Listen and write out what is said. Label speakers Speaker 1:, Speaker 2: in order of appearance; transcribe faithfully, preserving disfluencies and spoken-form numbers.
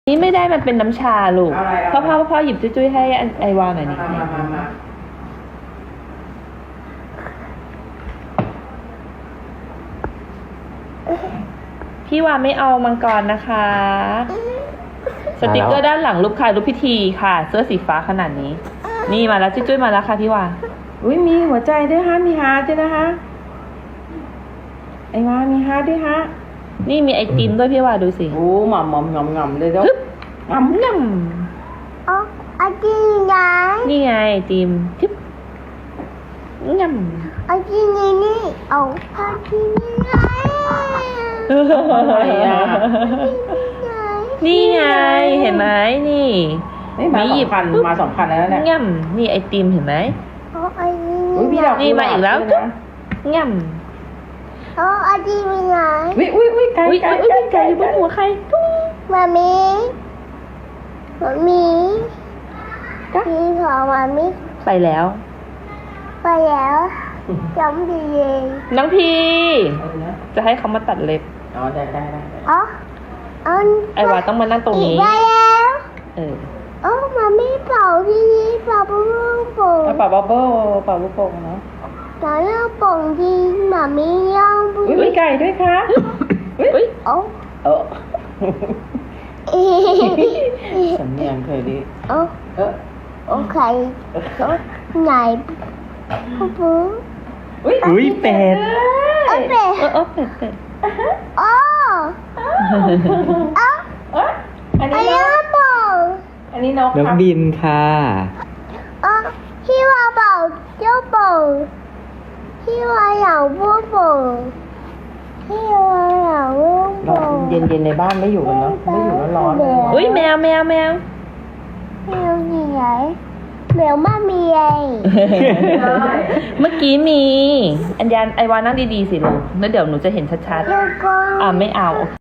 Speaker 1: นี่ไม่ได้มันเป็นน้ำชาลูกพ่อพ่อพ่อหยิบจุ้ยๆให้ไอวาหน่อยนี่พี่วาไม่เอามังกรนะคะ สติกเกอร์ด้านหลังรูปใครรูปพิธีค่ะ เสื้อสีฟ้าขนาดนี้ นี่มาแล้วจุ้ยๆมาแล้วค่ะพี่วา
Speaker 2: อุ้ยมีหัวใจด้วยฮะมีฮาร์ดด้วยนะคะไอ้วามีฮาร์ดด้วยฮะ
Speaker 1: นี่มีไอติมด้วยพี่วาดูสิ
Speaker 2: โอ้หม่ำหม่ำหม่ำหม่ำเลยเจ้า
Speaker 1: หม่ำหม่
Speaker 3: อ๋อไอติมไง
Speaker 1: นี่ไงไอติมทึบหม่
Speaker 3: ำไอติมนี่นี่เอาไอติมนี่ไง
Speaker 2: อะไรอ่ะ
Speaker 1: นี่ไงเห็นไหมนี่
Speaker 2: มาสองพันมาสองพันแล้วเนี่ย
Speaker 1: ง่ำนี่ไอติมเห็นไหม
Speaker 3: อ๋อไอติม
Speaker 1: นี่มาอีกแล้วง่ำ
Speaker 3: อ๋อไอติมไง
Speaker 2: อุ้ยอุ้ยอุ้ยไก่
Speaker 1: ไก่ไก่อยู่บนหัวใคร
Speaker 3: มามีมามีพี่ของมามี
Speaker 1: ไปแล้ว
Speaker 3: ไปแล้วจำดีเอง
Speaker 1: น้องพีจะให้เขามาตัดเล็บ
Speaker 2: อ๋อได้ได้ได้
Speaker 3: อ๋อ
Speaker 1: ไอวาต้องมานั่งตรงนี้
Speaker 3: ได้แล้ว
Speaker 1: เออ
Speaker 3: โอ้มามีเป่าที่นี่เป่าปุ้งปุ้ง
Speaker 2: เป่าบับเบิ้ลเป่าลูกโป่งเนาะ
Speaker 3: ตอนนี้ป่งที่มามีย่างปุ้ง
Speaker 2: อุ้ยไก่ด้วยค่ะ
Speaker 1: อุ้ย
Speaker 3: โอ้
Speaker 2: เออสำเนียงเคยดี
Speaker 3: โอ้
Speaker 2: เออ
Speaker 3: โอเคไหนปุ๊บปุ๊บ
Speaker 1: อุ้ยเป็ด
Speaker 3: เออเป็ด
Speaker 1: เออเป็ดเป็ด
Speaker 3: โอ้
Speaker 2: เอออันนี้นก
Speaker 3: ป่ง
Speaker 2: อันนี้นก
Speaker 4: นกบินค่ะ
Speaker 3: อ๋อพี่ว่าเป่าเจ้าป่งพี่ว่าอยากปุ๊บปุ๊บพี่ว่าอยากปุ๊บปุ๊บ
Speaker 2: เย็นเย็นในบ้านไม่อยู่กันเนาะไม่อยู่แล้วร้อน
Speaker 1: อุ้ยแมวแมวแมว
Speaker 3: แมวนี่ไงแมวมามีไง
Speaker 1: เมื่อกี้มีอัญญาไอวานั่งดีๆสิลูกแล้วเดี๋ยวหนูจะเห็นชัดๆอ่าไม่เอา